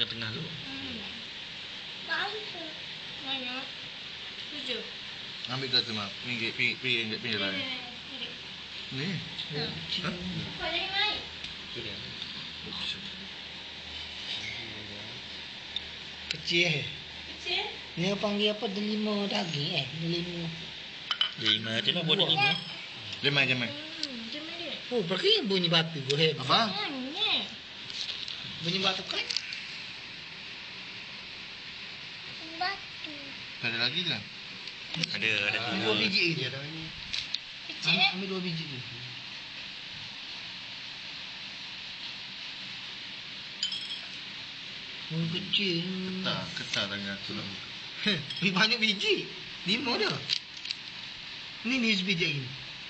tengah-tengah tu. Banyak. 7. Ambil dah tu mak. Pinggir lah. Ni. Kau jangan naik. Tu dia. Kecil. Kecil. Ni panggil apa? Delima daging delima. 5 je lah, buat 5. Jemai. Jom dia. Oh, pergi bunyi batu tu hebat. Apa? Banyak. Bunyi batu kan? Batu. Tak ada lagi ke? Ada Ambil 2 biji je. Kecil. Ambil 2 biji je. Oh, kecil. Ketar tangan tu lah. Ni banyak biji. 5 dah. Ni sebiji lagi.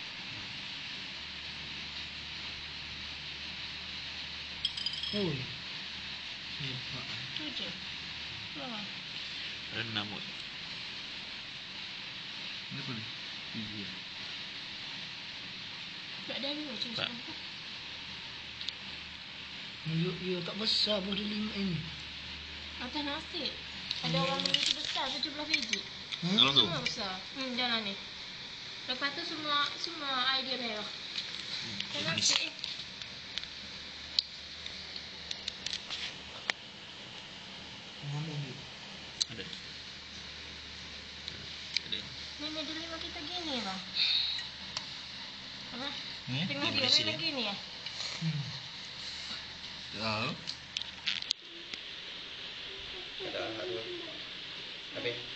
Oh. Hebat. 7. Berapa? 6 kot. Ni apa ni? Biji. Tak ada ni macam Tak. Ya tak besar pun dia 5 ini. Atas nasi. Ada orang beli tu besar 17 biji. Dalam tu. Semua besar. Jangan ni. Lepas tu semua idea merah. Atas manis. nasi. Ada. Memang dulu memang kita gini lah. Apa? Ni? Tengah Di dia Malaysia memang ni. gini ya. Tahu. Ada. Habis.